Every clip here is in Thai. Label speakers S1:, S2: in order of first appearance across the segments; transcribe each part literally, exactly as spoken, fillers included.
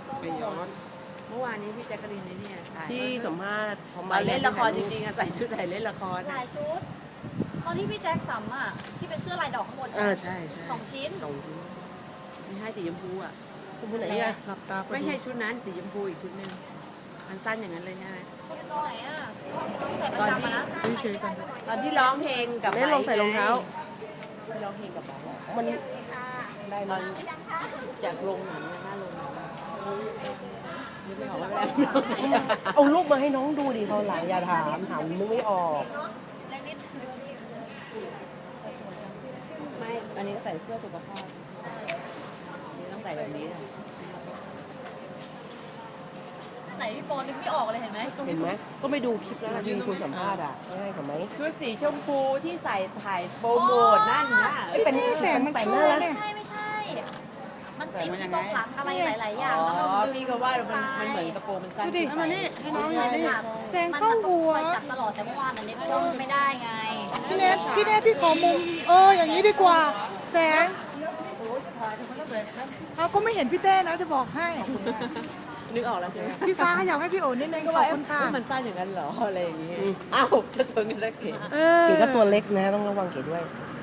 S1: ไปย้อนเมื่อวานนี้พี่แจ๊กกะลีนเนี่ยถ่าย
S2: ที่สัมภาษณ์
S1: ตอนเล่นละครจริงๆอะใส่ชุดไหนเล่นละคร
S3: หลายชุด ตอนที่พี่แจ็คสัมอ่ะที่เป็นเสื้อลายดอกข้างบน
S1: เออใช่ใช่
S3: สองชิ้น
S1: สองชิ้นไม่ให้สีชมพูอ่ะ
S2: คุณผู้ไหนอ่ะ
S4: หลับตา
S1: ไม่ใช่ชุดนั้นสีชมพูอีกชุดหนึ่งมันสั้นอย่างนั้นเลยใช่ไหม
S3: ตอนไหนอ่ะใส่ประ
S1: ตอน
S3: จำ
S1: ที่
S3: อะนะ
S4: เฉยๆกัน
S1: ตอนที่ร้องเพลงกับ
S2: เล่นลองใส่รองเท้า
S1: ที่ร้องเพลงกับไบร์ทอะ
S2: มัน
S1: ได้ตอนจากโรงหนังนะหน้าโรงหนังนึกไม่ออกว่าอะไร
S2: เอารูปมาให้น้องดูดิเขาหลังอย่าถามถามนึกไม่ออก
S3: แรงนิด
S1: ไม่อันนี้ก็ใส่เสื้อสุขภาพนี่ต้องใส่แบบนี้นะ
S3: ไหนพี่โปนึกไม่ออกเลยเห็นไหม
S2: เห็นไหมก็ไปดูคลิปแล้วที่คุณสัมภาษณ์อ่ะง่ายกว่าไหม
S1: ชุดสีชมพูที่ใส่ถ่ายโปรโมทนั่นนะ
S2: ไม่เป็น
S4: แสงมัน
S2: แต่งห
S4: เข้า
S2: น้า
S4: เนี่
S3: ไม่
S4: ย
S3: ใช่ไม่ใช่ มันติดที่ตรงหลังอะไรหลาย ๆ อย่าง
S1: อ๋
S3: แล้ว
S1: อ
S3: มันดึง
S1: พี่ก็ว่ามันมันเหมือนกระโปรงมันสั้น
S4: ดูดิ
S1: ขึ้นไป
S4: มานี่ให้น้องหน่
S3: ใช่
S4: อยดิ
S3: ค่ะ
S4: แสงเข้าหัว
S3: มันจับตลอดแต่เมื่อวานอันนี้ก็ไม่ได้ไง
S4: พี่เนทพี่เนทพี่ขอมุมเอออย่างนี้ดีกว่า แสงเอาก็ไม่เห็นพี่เต้นะจะบอกให้
S1: นึกออกแล้วใช่ไหม
S4: พี่ฟ้าขยับให้พี่โอ๋นิดนึงก็
S1: ก็
S4: บ
S1: ว่า
S4: อกคุณค่ะ
S1: เอ๊ะมันสั้นอย่างนั้นเหรออะไรอย่างงี้อ้าวจะชนกันแล้วเก๋
S4: เออ
S2: เก๋ก็ตัวเล็กนะต้องระวังเก๋ด้วย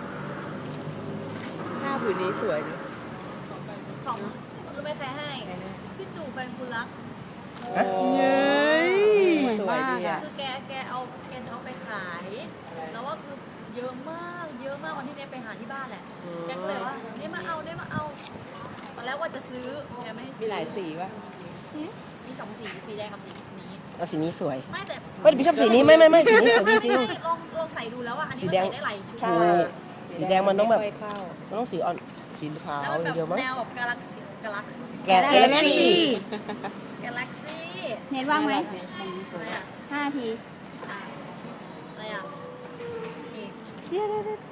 S1: ผ้าผืนนี้สวยนะ
S3: ของรู้ไหมใครให้ พี่ตู่แฟนคุณรัก
S1: โอ้
S4: เย้ย
S1: สวยดีอ่ะ
S3: คือแกแกเอาแกเอาไปขาย แล้วว่าคือเยอะมาก เยอะมากวันที่เนี้ยไปหาที่บ้านแหละ แกก็เลยว่าเนี่ยมาเอาเนี่ยมาเอา ตอนแรกว่าจะซื้อแกไม่ให้
S1: มี
S3: ซื้อ
S1: หลายสีป่ะ
S3: มีสองสี สีแดงกับสีนี้
S2: เอาสีนี้สวย
S3: ไม่แต่
S2: ไม่พี่ชอบสีนี้ไม่ไม่ไม่สีนี้สวยจริง
S3: ไม่ลองลองใส่ดูแล้วอ่ะ อันนี้
S2: สี
S3: มัน
S2: แดง
S3: ใส่ได้หลายชุด
S2: ๆใช่สีแดงมันต้องแบบ
S1: ไม่ค่ยเข้า
S2: มันต้องสีอ่อนสีขาว
S3: แล้วมัน
S2: อ
S3: แบ
S2: ย่า
S3: บ
S2: งเดียวมั้ง
S3: แนวแบบกาแล็กซี่กาแล็ก
S2: แกะแกะซี่
S3: กาแล็กซี่
S5: เน็ตว่างไหม
S3: อะไรอ่ะ
S5: ห้านาที
S3: อ่ะอะไรอ่ะนี่
S5: เดี๋ยวเดี๋ยวเดี๋ยว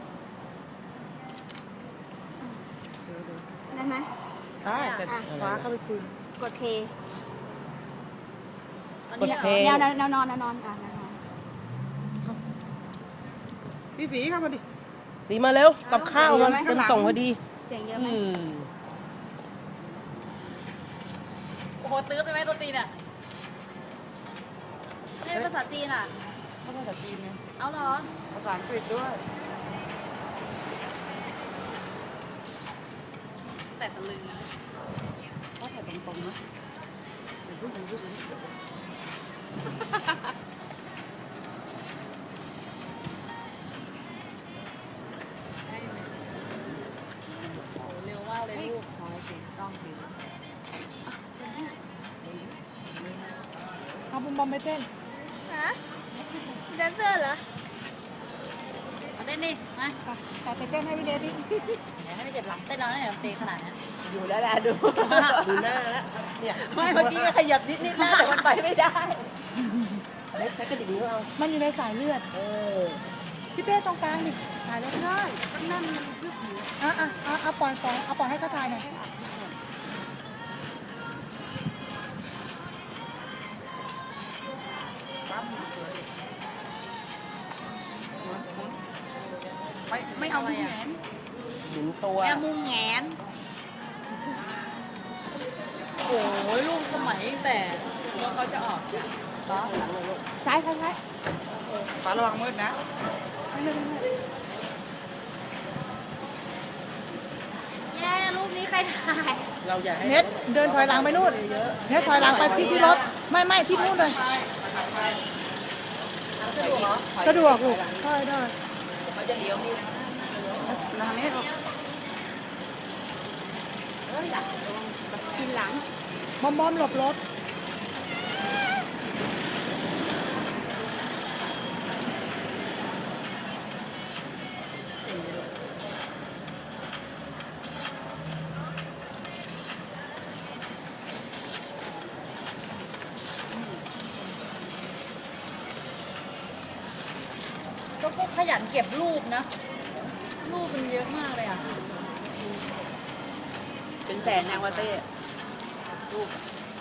S5: ได้ไหม
S1: ได้แต่ฟ้าเข้าไปคุย
S5: กดเท
S3: อัน
S2: กด
S3: นี้
S2: เพ
S3: เห
S2: ล
S3: รอ
S2: ง
S5: แนวแนวนอนแนวนอนอ่ะแนวนอน
S4: พี่ฝีเข้ามาดิ
S2: สีมาเร็วกับข้าวมันเต็มส่งพอดี
S5: เสียงเยอะไหม
S2: อืม
S3: โอ้โหตื้อไปไหมตัวตีนอ่ะไม่ใช่ภาษาจีนอ่ะ
S1: ไม่ใช่ภาษาจีนนะ
S3: เอาเหรอ
S1: ภาษาอังกฤษด้วย
S3: แต่ตะลึงนะ
S1: ก็ใส่ตรงๆนะเดี๋ยวพูดถึงพูดถึง
S3: ได้ไหมโอ้เร็วมากเลยลูก
S1: พอสิต้องสิ
S4: เอาบุมบอมไปเต้น
S3: ฮะแดนเซอร์เหรอมาเต้นดิมา
S4: แต่ไปเต้นให้พี่เนทดิ
S3: เดี๋ยวให้ไม่เจ็บหลังเต้นเราเนี่ยเตะขนาดนี้
S1: อยู่แล้วแหละดู
S2: ดูหน้าแล้วเนี่ย
S1: ไม่เมื่อกี้ก็ขยับนิดนิดๆนะแต่มันไปไม่ได้
S2: เล็กใช้กระดิ่งนิ้วเอา
S4: มันอยู่ในสายเลือด
S2: เออ
S4: พี่เต้ตรงกลางดิถ่ายได้ได้นั่นมันยืดหยุ่นอ่ะอ่ะอ่ะเอาปล่อยปล่อยเอาปล่อยให้เขาถ่ายหน่อยไม่ไม่เอาที่แขน
S2: หมุนตัว
S3: แม่มุงแงนโอ้ยลูกสมัยตั้งแต่แล้วเขาจะออกจาก
S4: ซ้ายซ้ายซ้าย
S1: ฟ้าระวังมืดนะ
S3: แย่รูปนี้ใครถ่าย
S2: เราอยากให้
S4: เน็ตเดินถอยหลังไปนู่นเน็ตถอยหลังไปที่ที่รถไม่ไม่ที่นู่นเลย
S3: สะดวกเหรอ
S4: สะดวกลูกได้ได้
S1: เขาจะเลี้ยวมี
S4: ทางนี้ลูก
S1: เอ้ยอยากกินหลัง
S4: บอมบอมหลบรถ
S3: ก็พวกขยันเก็บรูปนะ รูปมันเยอะมากเลยอ่ะ
S1: เป็นแสนแนววาเต้รูป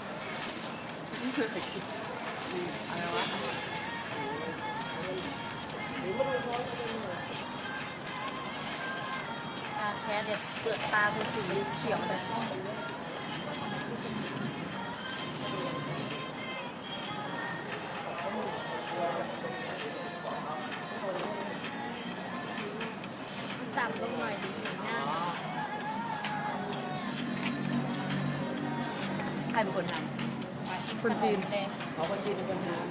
S1: อะไรวะ
S3: อ่าแค่เดี๋ยวเปลือกตาคือสีเขียวเลย
S1: รเป็นคนท
S2: คนจีน
S3: เลย
S1: ำอ๋อคนจีนเป็นคนทำ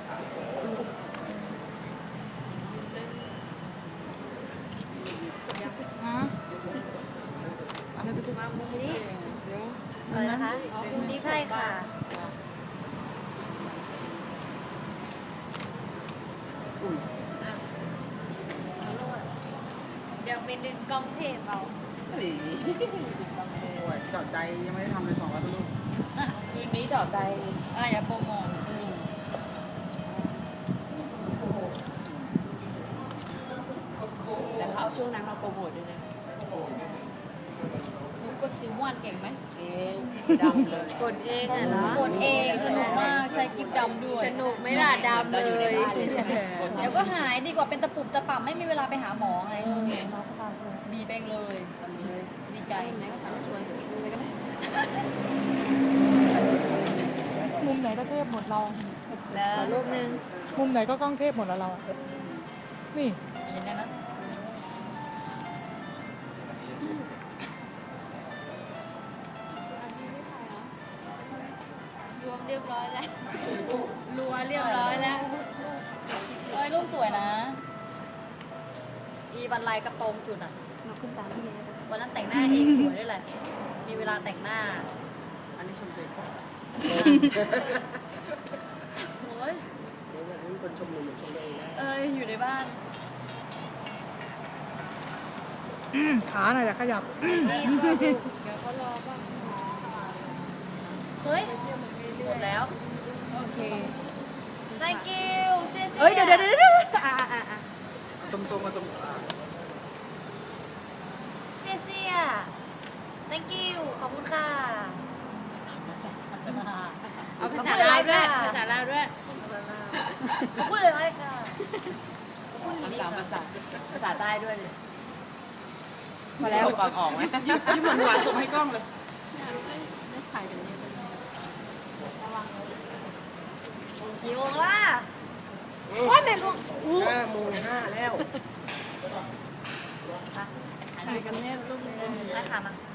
S4: ฮะอะไรไปทุก
S3: นี่
S4: เดี๋ยว
S3: อะไรนะคะอ๋อคุณนี่ใช่ค่ะ เดี๋ยวไปดึงกล้องเทปเอา
S1: หลี
S4: โอ้ยเจอดใจยังไม่ได้ทำเลยสองร้อยลูก
S1: คืนนี้ต่อใจ
S3: อะไรอย่าโปรโมท
S1: แต่เขาเอาช่วงนั้นมาโปรโมทด้วยนะ
S3: หนูกดซิมวันเก่งไหม
S1: เองดำเลย
S5: กดเองอ่ะนะ
S3: กดเองสนุกมากใช้กิ๊บดำด้วย
S5: สนุกไหม่ล่ะดำเล
S1: อยู่ใน
S5: ย
S1: บ้านเลยใช่ไหม
S3: เดี๋ยวก็หายดีกว่าเป็นตะปุบตะป่ำไม่มีเวลาไปหาหมอไง
S2: น้องก็ตามช่วย
S3: ดีไปเลย ดีใจ
S4: มุมไหนก็เทพหมดเรา
S5: แล้วรูปหนึ่ง
S4: มุมไหนก็กล้องเทพหมดแล้วเราอะนี่
S3: เห็นไหมนะ
S5: รวมเรียบร้อยแล้ว
S3: รัวเรียบร้อยแล้วเอ้ยรูปสวยนะ อีบันไลกระโปรงจุดอ่ะ
S5: เราขึ้นตามพี่เนย
S3: วันนั้นแต่งหน้าเองสวยด้วยแหละ มีเวลาแต่งหน้า
S1: อันนี้ชมตัวเอง
S3: โอ้ย
S1: เดี๋ยวแบบมีคนชมหนูเหมือนชมตัวเองนะ
S3: เอ้ย อยู่ในบ้าน
S4: ขาหน่อยแต่ขยับ
S5: นี่ก็ดูเดี๋ยวเขารอบ้าง
S3: เฮ้ยหมดแล้ว
S2: โอเค
S3: thank you เสีย
S2: เอ้ยเดี๋ยวเดี๋ยวเดี๋ยวอ่ะอ่ะอ่ะอ่ะ
S4: ตรงตรงมาตรง
S3: เสียเสีย thank you ขอบคุณค่ะ
S5: เอาภาษาลาวด้วยภาษาลาวด้วย
S3: ขอบคุณเลยไค่ะขอบคุณ
S1: ภา
S3: ลิ
S1: ษา
S3: ค่ะ
S1: ภาษาภาษาใต้ด้วยเนี่ยพอแล้วฟังออกไหม
S4: ยิ้มหวานหวานส่งให้กล้องเลย
S1: ไม่ถ่ายกันเยอะ
S3: กี่โมงล่ะ
S2: โอ้ยแม่ลูก
S1: ห้าโมงห้าแล้ว
S3: ถ่ายกันเนี่ยรูปนี้ได้ค่ะมา